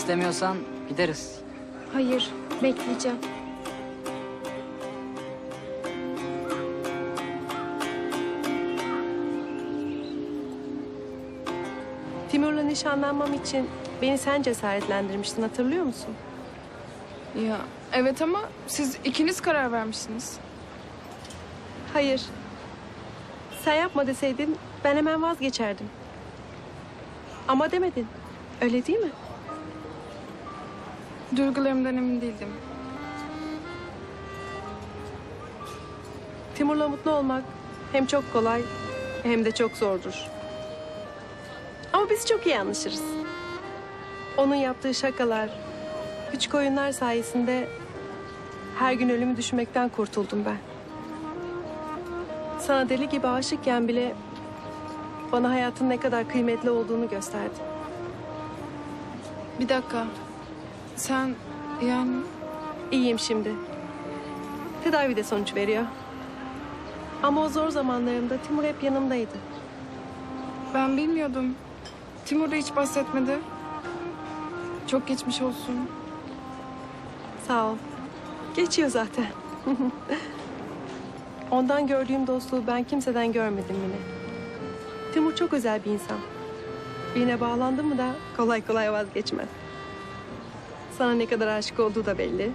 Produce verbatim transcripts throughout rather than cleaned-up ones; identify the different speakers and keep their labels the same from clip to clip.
Speaker 1: İstemiyorsan gideriz.
Speaker 2: Hayır, bekleyeceğim.
Speaker 3: Timur'la nişanlanmam için beni sen cesaretlendirmiştin, hatırlıyor musun?
Speaker 4: Ya evet ama siz ikiniz karar vermişsiniz.
Speaker 3: Hayır. Sen yapma deseydin ben hemen vazgeçerdim. Ama demedin. Öyle değil mi?
Speaker 4: Duygularımdan emin değildim.
Speaker 3: Timur'la mutlu olmak hem çok kolay hem de çok zordur. Ama biz çok iyi anlaşırız. Onun yaptığı şakalar, küçük oyunlar sayesinde her gün ölümü düşünmekten kurtuldum ben. Sana deli gibi aşıkken bile bana hayatın ne kadar kıymetli olduğunu gösterdi.
Speaker 4: Bir dakika. Sen yani...
Speaker 3: İyiyim şimdi. Tedavi de sonuç veriyor. Ama o zor zamanlarımda Timur hep yanımdaydı.
Speaker 4: Ben bilmiyordum. Timur da hiç bahsetmedi. Çok geçmiş olsun.
Speaker 3: Sağ ol. Geçiyor zaten. Ondan gördüğüm dostluğu ben kimseden görmedim yine. Timur çok özel bir insan. Birine bağlandı mı da kolay kolay vazgeçmez. Sana ne kadar aşık olduğu da belli.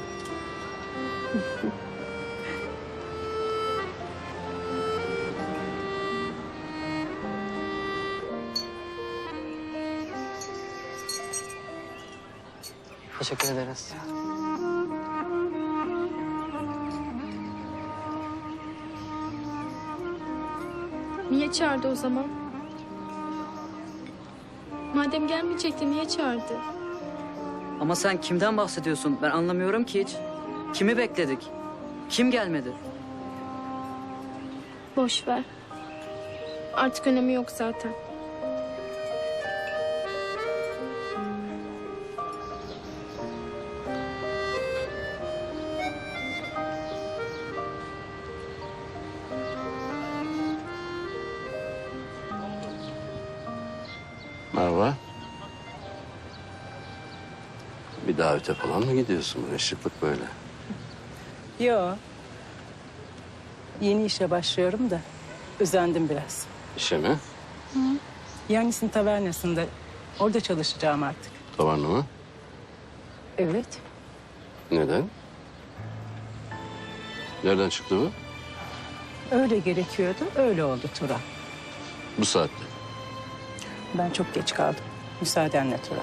Speaker 1: Teşekkür ederiz.
Speaker 2: Niye çağırdı o zaman? Madem gelmeyecekti niye çağırdı?
Speaker 1: Ama sen kimden bahsediyorsun? Ben anlamıyorum ki hiç. Kimi bekledik? Kim gelmedi?
Speaker 2: Boş ver. Artık önemi yok zaten.
Speaker 5: Merhaba. Bir davete falan mı gidiyorsun? Böyle şıklık böyle.
Speaker 6: Yo. Yeni işe başlıyorum da özendim biraz.
Speaker 5: İşe mi?
Speaker 6: Yanis'in tavernasında orada çalışacağım artık.
Speaker 5: Tavanlı mı?
Speaker 6: Evet.
Speaker 5: Neden? Nereden çıktı bu?
Speaker 6: Öyle gerekiyordu, öyle oldu Turan.
Speaker 5: Bu saatte.
Speaker 6: Ben çok geç kaldım. Müsaadenle Turan.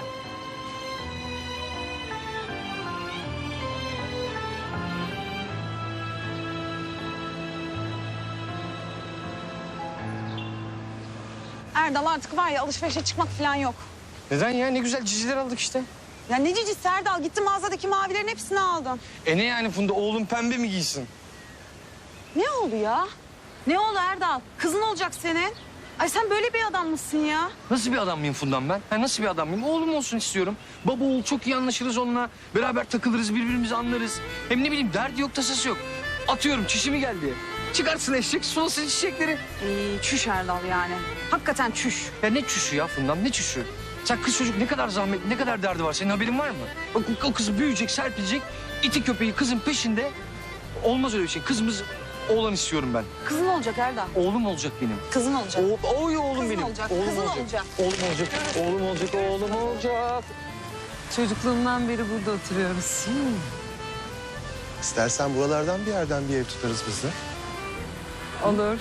Speaker 7: Erdal artık var ya alışverişe çıkmak falan yok.
Speaker 8: Neden ya? Ne güzel ciciler aldık işte.
Speaker 7: Ya ne cicisi Erdal? Gittim mağazadaki mavilerin hepsini aldım.
Speaker 8: E ne yani Funda? Oğlum pembe mi giysin?
Speaker 7: Ne oldu ya? Ne oldu Erdal? Kızın olacak senin. Ay sen böyle bir adam mısın ya?
Speaker 8: Nasıl bir adam mıyım Funda'm ben? Ha, nasıl bir adam mıyım? Oğlum olsun istiyorum. Baba oğul çok iyi anlaşırız onunla. Beraber takılırız, birbirimizi anlarız. Hem ne bileyim derdi yok, tasası yok. Atıyorum çişimi geldi. Çıkarsın eşek, sulasın çiçekleri.
Speaker 7: Ee, çüş Erdal yani. Hakikaten çüş.
Speaker 8: Ya ne çüşü ya Funda'm, ne çüşü? Sen kız çocuk ne kadar zahmet, ne kadar derdi var. Senin haberin var mı? Bak o kız büyüyecek, serpilecek. İti köpeği kızın peşinde. Olmaz öyle bir şey. Kızımız oğlan istiyorum ben.
Speaker 7: Kızın olacak Erdal.
Speaker 8: Oğlum olacak benim.
Speaker 7: Kızın olacak.
Speaker 8: O, oy oğlum
Speaker 7: Kızın
Speaker 8: benim.
Speaker 7: olacak,
Speaker 8: Oğlum
Speaker 7: kızın
Speaker 8: olacak.
Speaker 7: olacak.
Speaker 8: Oğlum olacak. Oğlum olacak. Oğlum olacak.
Speaker 9: Çocukluğumdan beri burada oturuyoruz.
Speaker 10: İstersen buralardan bir yerden bir ev tutarız biz de.
Speaker 9: Olur.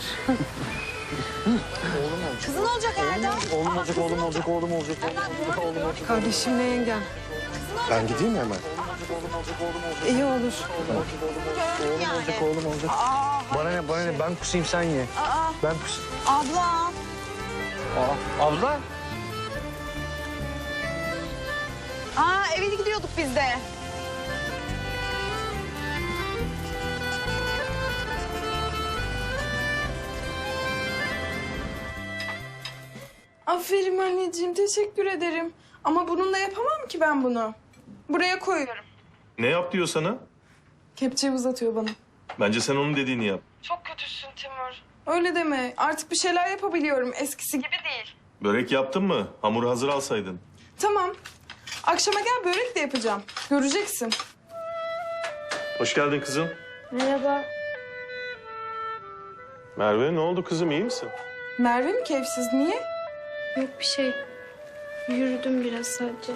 Speaker 7: Kızın olacak Erdal.
Speaker 8: Oğlum olacak. Oğlum olacak. Oğlum olacak. Oğlum olacak.
Speaker 9: Kardeşimle yengem.
Speaker 10: Ben gideyim mi hemen?
Speaker 9: İyi olur.
Speaker 7: Gördüm yani.
Speaker 8: Oğlum olacak.
Speaker 7: Aa,
Speaker 8: Bana ne? Bana ne? Ben kusayım sen ye.
Speaker 7: aa,
Speaker 8: Ben kus.
Speaker 7: abla.
Speaker 8: Aa, abla.
Speaker 7: Aa eve gidiyorduk biz de.
Speaker 4: Aferin anneciğim, teşekkür ederim. Ama bununla yapamam ki ben bunu. Buraya koyuyorum.
Speaker 11: Ne yap diyor sana?
Speaker 4: Kepçeyi uzatıyor bana.
Speaker 11: Bence sen onun dediğini yap.
Speaker 4: Çok kötüsün Timur. Öyle deme. Artık bir şeyler yapabiliyorum. Eskisi gibi değil.
Speaker 11: Börek yaptın mı? Hamuru hazır alsaydın.
Speaker 4: Tamam. Akşama gel börek de yapacağım. Göreceksin.
Speaker 11: Hoş geldin kızım.
Speaker 2: Merhaba.
Speaker 11: Merve ne oldu kızım, iyi misin?
Speaker 4: Merve mi keyifsiz? Niye?
Speaker 2: Yok bir şey. Yürüdüm biraz sadece.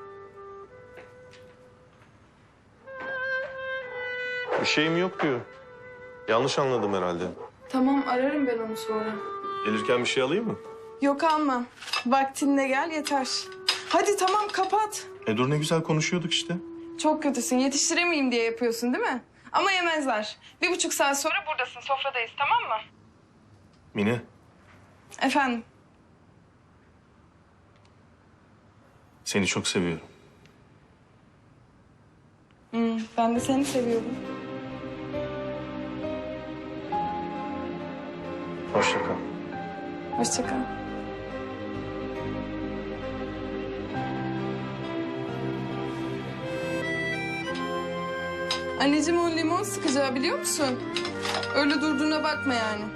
Speaker 11: Bir şeyim yok diyor. Yanlış anladım herhalde.
Speaker 4: Tamam ararım ben onu sonra.
Speaker 11: Gelirken bir şey alayım mı?
Speaker 4: Yok almam. Vaktinde gel yeter. Hadi tamam kapat.
Speaker 11: E dur ne güzel konuşuyorduk işte.
Speaker 4: Çok kötüsün. Yetiştiremeyeyim diye yapıyorsun değil mi? Ama yemezler. Bir buçuk saat sonra buradasın. Sofradayız tamam mı?
Speaker 11: Mine,
Speaker 4: Efendim?
Speaker 11: seni çok seviyorum.
Speaker 4: Hmm, ben de seni seviyorum.
Speaker 11: Hoşça kal.
Speaker 4: Hoşça kal. Anneciğim o limon sıkacağı biliyor musun? Öyle durduğuna bakma yani.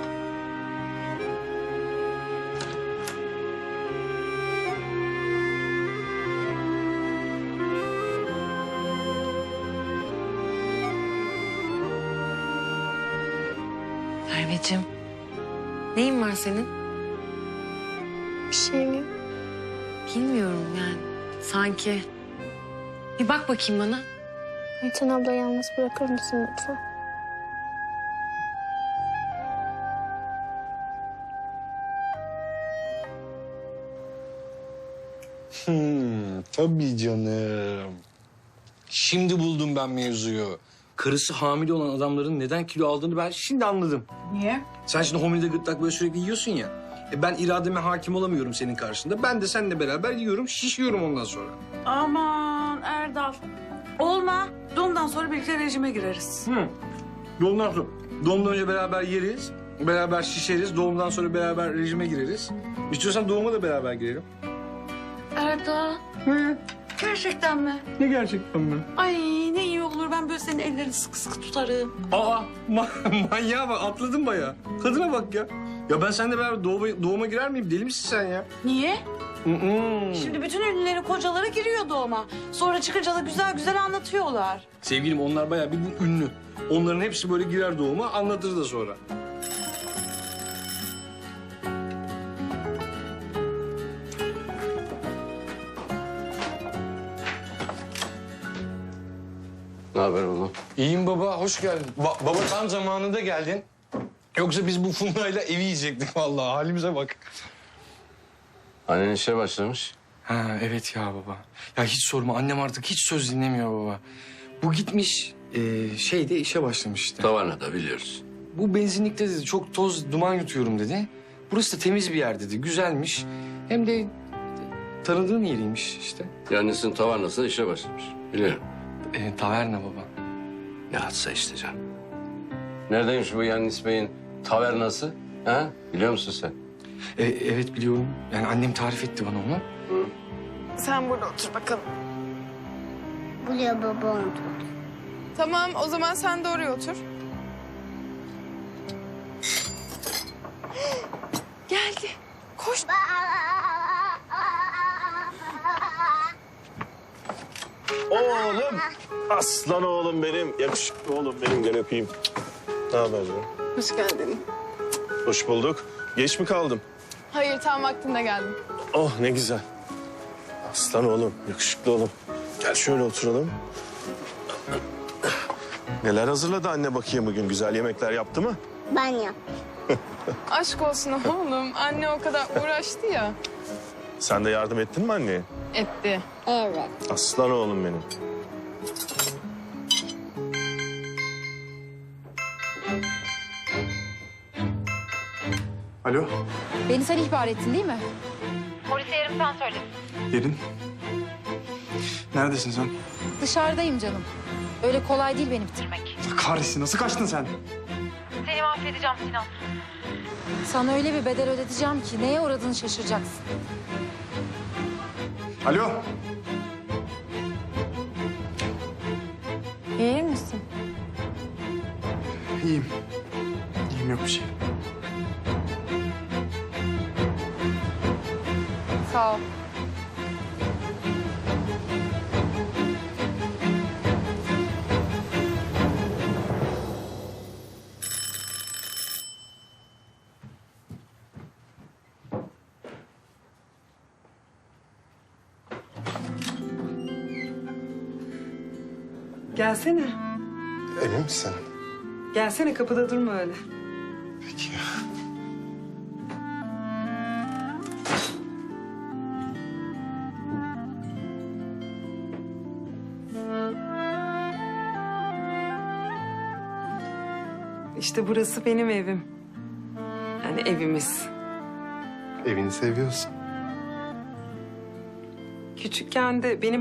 Speaker 9: Merveciğim, neyin var senin?
Speaker 2: Bir şey mi?
Speaker 9: Bilmiyorum yani. Sanki. Bir bak bakayım bana.
Speaker 2: Ayten abla yalnız bırakır mısın lütfen?
Speaker 8: Hmm, tabii canım. Şimdi buldum ben mevzuyu. Karısı hamile olan adamların neden kilo aldığını ben şimdi anladım.
Speaker 7: Niye?
Speaker 8: Sen şimdi homilde gırtlak böyle sürekli yiyorsun ya. E ben irademe hakim olamıyorum senin karşında. Ben de seninle beraber yiyorum, şişiyorum ondan sonra.
Speaker 7: Aman Erdal. Olma. Doğumdan sonra birlikte rejime gireriz.
Speaker 8: Hı. Doğumdan sonra. Doğumdan önce beraber yeriz, beraber şişeriz. Doğumdan sonra beraber rejime gireriz. İstiyorsan doğuma da beraber girelim.
Speaker 2: Erdal.
Speaker 8: Hı.
Speaker 7: Gerçekten mi?
Speaker 8: Ne gerçekten mi?
Speaker 7: Ay ne iyi olur. Ben böyle senin ellerini sıkı sıkı tutarım.
Speaker 8: Aa, ma- manyağa bak, atladın bayağı. Kadına bak ya. Ya ben seninle beraber doğuma, doğuma girer miyim? Deli misin sen ya?
Speaker 7: Niye?
Speaker 8: Hı-hı.
Speaker 7: Şimdi bütün ünlülerin kocaları giriyor doğuma. Sonra çıkınca da güzel güzel anlatıyorlar.
Speaker 8: Sevgilim onlar bayağı bir bu ünlü. Onların hepsi böyle girer doğuma, anlatır da sonra.
Speaker 5: Ne haber oğlum?
Speaker 8: İyiyim baba, hoş geldin. Ba- baba tam zamanında geldin. Yoksa biz bu Funda'yla evi yiyecektik vallahi. Halimize bak.
Speaker 5: Annen işe başlamış.
Speaker 8: Ha evet ya baba. Ya hiç sorma, annem artık hiç söz dinlemiyor baba. Bu gitmiş, e, şeyde işe başlamış işte.
Speaker 5: Tavarnada biliyoruz.
Speaker 8: Bu benzinlikte dedi, çok toz, duman yutuyorum dedi. Burası da temiz bir yer dedi, güzelmiş. Hem de tanıdığın yeriymiş işte.
Speaker 5: Annesinin tavarnasında işe başlamış. Biliyorum.
Speaker 8: E, taverna baba.
Speaker 5: Ne atsa işte canım. Neredeymiş bu Yannis Bey'in tavernası? Ha? Biliyor musun sen?
Speaker 8: E, evet biliyorum. Yani annem tarif etti bana onu.
Speaker 4: Sen burada otur bakalım.
Speaker 2: Buraya babam otur.
Speaker 4: Tamam o zaman sen de oraya otur. Geldi. Koş.
Speaker 11: Oğlum! Aslan oğlum benim. Yakışıklı oğlum benim. Gel öpeyim. Ne haber ya?
Speaker 4: Hoş geldin.
Speaker 11: Hoş bulduk. Geç mi kaldım?
Speaker 4: Hayır tam vaktinde geldim.
Speaker 11: Oh ne güzel. Aslan oğlum, yakışıklı oğlum. Gel şöyle oturalım. Neler hazırladı anne bakayım bugün? Güzel yemekler yaptı mı?
Speaker 2: Ben yap.
Speaker 4: Aşk olsun oğlum. Anne o kadar uğraştı ya.
Speaker 11: Sen de yardım ettin mi anneye?
Speaker 4: Etti.
Speaker 2: Evet.
Speaker 11: Aslan oğlum benim.
Speaker 10: Alo,
Speaker 7: Beni sen ihbar ettin değil mi?
Speaker 10: Derin. Neredesin sen?
Speaker 7: Dışarıdayım canım. Öyle kolay değil beni bitirmek.
Speaker 10: Kahretsin, nasıl kaçtın sen?
Speaker 7: Sana öyle bir bedel ödeteceğim ki neye uğradığını şaşıracaksın.
Speaker 10: Alo.
Speaker 7: İyi misin?
Speaker 10: İyiyim. İyiyim, yok bir şey.
Speaker 4: Sağ ol.
Speaker 3: Gelsene.
Speaker 11: Emin misin?
Speaker 3: Gelsene, kapıda durma öyle.
Speaker 11: Peki.
Speaker 3: İşte burası benim evim. Yani evimiz.
Speaker 11: Evini seviyorsun.
Speaker 3: Küçükken de benim